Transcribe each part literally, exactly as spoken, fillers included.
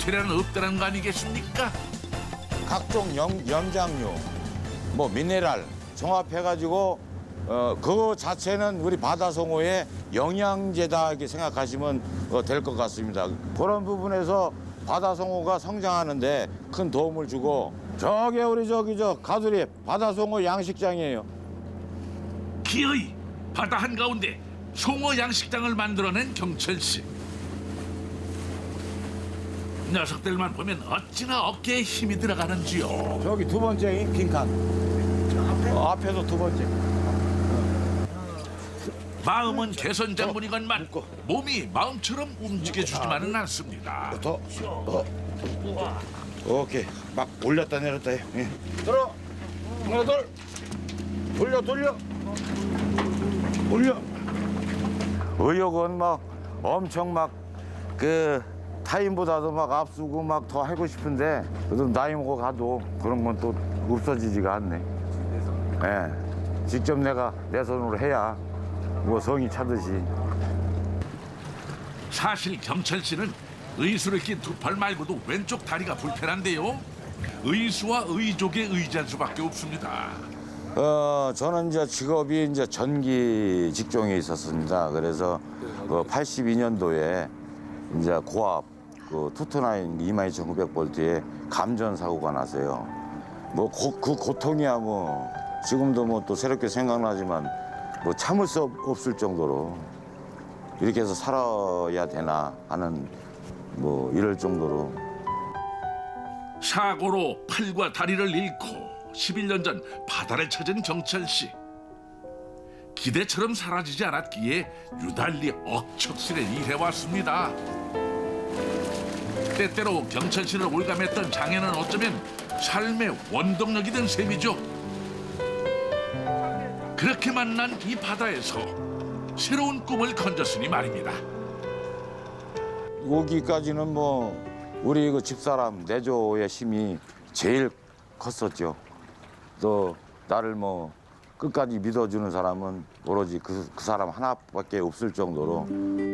재료는 없다는 거 아니겠습니까? 각종 염, 염장류, 뭐 미네랄 종합해가지고 어, 그거 자체는 우리 바다송어의 영양제다 이렇게 생각하시면 어, 될 것 같습니다. 그런 부분에서 바다송어가 성장하는데 큰 도움을 주고 저게 우리 저기 저 가두리 바다송어 양식장이에요. 기어이 바다 한가운데 송어 양식장을 만들어낸 경철 씨. 녀석들만 보면 어찌나 어깨에 힘이 들어가는지요. 저기 두 번째 빈칸. 어, 앞에서 두 번째. 마음은 개선 장군이건만 몸이 마음처럼 움직여주지만은 않습니다. 더. 더. 오케이. 막 올렸다 내렸다 해. 예. 들어. 하나 둘. 돌려 돌려. 올려. 의욕은 막 엄청 막 그 타임보다도 막 앞서고 막 더 하고 싶은데 그래도 나이 먹어 가도 그런 건 또 없어지지가 않네. 예. 직접 내가 내 손으로 해야 뭐 성이 차듯이. 사실 경철 씨는 의수를 낀 두 팔 말고도 왼쪽 다리가 불편한데요. 의수와 의족에 의지할 수밖에 없습니다. 어, 저는 이제 직업이 이제 전기 직종에 있었습니다. 그래서 그 팔십이 년도에 이제 고압 그 투투나인 이만 이천구백 볼트에 감전 사고가 나서요. 뭐 그 고통이야 뭐 지금도 뭐 또 새롭게 생각나지만 뭐 참을 수 없- 없을 정도로 이렇게 해서 살아야 되나 하는 뭐 이럴 정도로. 사고로 팔과 다리를 잃고 십일 년 전 바다를 찾은 경철 씨. 기대처럼 사라지지 않았기에 유달리 억척스레 일해왔습니다. 때때로 경철 씨를 올감했던 장애는 어쩌면 삶의 원동력이 된 셈이죠. 그렇게 만난 이 바다에서 새로운 꿈을 건졌으니 말입니다. 오기까지는 뭐 우리 그 집사람 내조의 힘이 제일 컸었죠. 또 나를 뭐 끝까지 믿어주는 사람은 오로지 그, 그 사람 하나밖에 없을 정도로.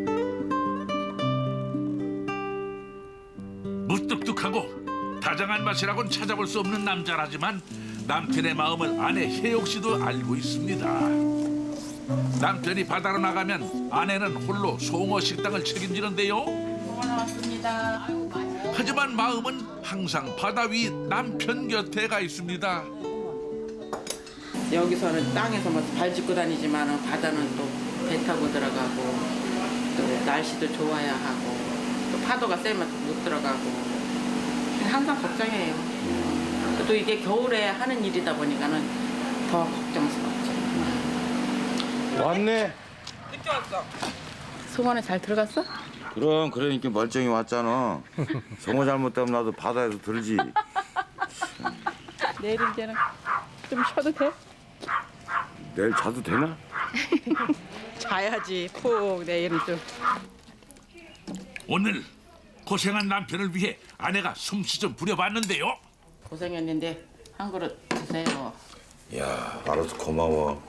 무뚝뚝하고 다정한 맛이라고는 찾아볼 수 없는 남자라지만 남편의 마음을 아내 혜옥 씨도 알고 있습니다. 남편이 바다로 나가면 아내는 홀로 송어 식당을 책임지는데요. 고맙습니다. 아이고, 맛있어. 하지만 마음은 항상 바다 위 남편 곁에 가 있습니다. 여기서는 땅에서 뭐 발 짚고 다니지만 바다는 또 배 타고 들어가고 또 날씨도 좋아야 하고 또 파도가 세면 못 들어가고 항상 걱정해요. 또 이게 겨울에 하는 일이다 보니까는 더 걱정스럽죠. 왔네. 송어는 잘 들어갔어? 그럼 그러니까 멀쩡히 왔잖아. 송어 잘못되면 나도 바다에서 들지. 내일 이제는 좀 쉬어도 돼? 내일 자도 되나? 자야지 푹 내일은 좀. 오늘 고생한 남편을 위해 아내가 솜씨 좀 부려봤는데요. 고생했는데 한 그릇 드세요. 야, 알아서 고마워.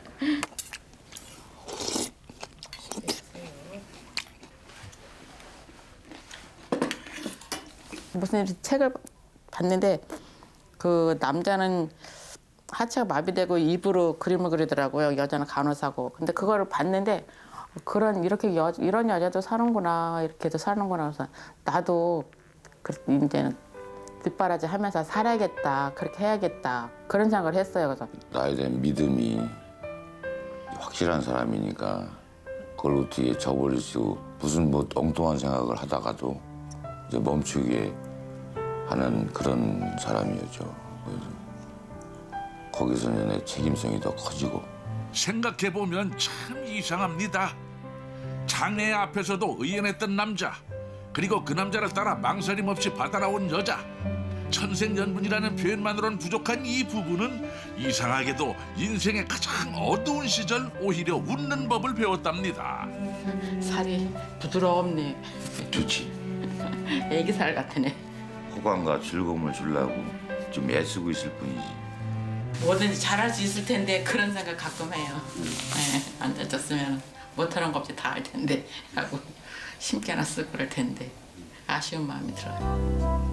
무슨 책을 봤는데 그 남자는 하체가 마비되고 입으로 그림을 그리더라고요. 여자는 간호사고. 근데 그거를 봤는데 그런 이렇게 여, 이런 여자도 사는구나 이렇게도 사는구나. 그래서 나도 그 이제는 뒷바라지 하면서 살아야겠다. 그렇게 해야겠다. 그런 생각을 했어요. 그래서 나에 대한 믿음이 확실한 사람이니까 그걸 어떻게 저버릴 수 무슨 뭐 엉뚱한 생각을 하다가도 이제 멈추게 하는 그런 사람이었죠. 그래서 거기서 내 책임성이 더 커지고. 생각해보면 참 이상합니다. 장애 앞에서도 의연했던 남자, 그리고 그 남자를 따라 망설임 없이 바다 나온 여자. 천생연분이라는 표현만으로는 부족한 이 부부는 이상하게도 인생의 가장 어두운 시절 오히려 웃는 법을 배웠답니다. 살이 부드럽네. 좋지. 애기 살 같으네. 호감과 즐거움을 주려고 좀 애쓰고 있을 뿐이지. 뭐든지 잘할 수 있을 텐데 그런 생각 가끔 해요. 네, 앉아졌으면 못하는 거 없이 다 할 텐데 하고 심기나 쓰고 그럴 텐데 아쉬운 마음이 들어요.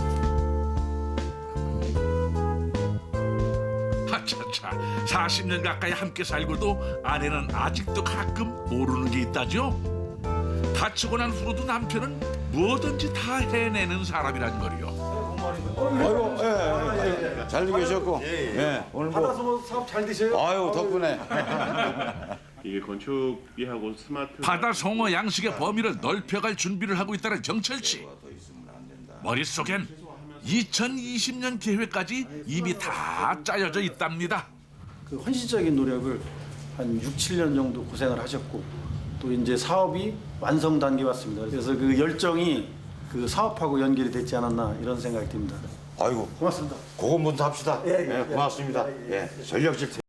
하차차 사십 년 가까이 함께 살고도 아내는 아직도 가끔 모르는 게 있다죠. 다치고 난 후로도 남편은 뭐든지 다 해내는 사람이란 거리요. 아이고, 예, 예, 예. 잘도 계셨고, 예, 오늘 뭐 받아서 뭐 사업 잘 되세요? 아유 덕분에. 이게 건축비하고 스마트 바다 송어 양식의 범위를 넓혀갈 준비를 하고 있다는 정철 씨. 머릿속엔 이천이십 년 계획까지 이미 다 짜여져 있답니다. 그 헌신적인 노력을 한 육, 칠 년 정도 고생을 하셨고 또 이제 사업이 완성 단계에 왔습니다. 그래서 그 열정이 그 사업하고 연결이 됐지 않았나 이런 생각이 듭니다. 아이고, 고맙습니다. 그거 먼저 합시다. 예, 예, 예, 고맙습니다. 예, 전력질.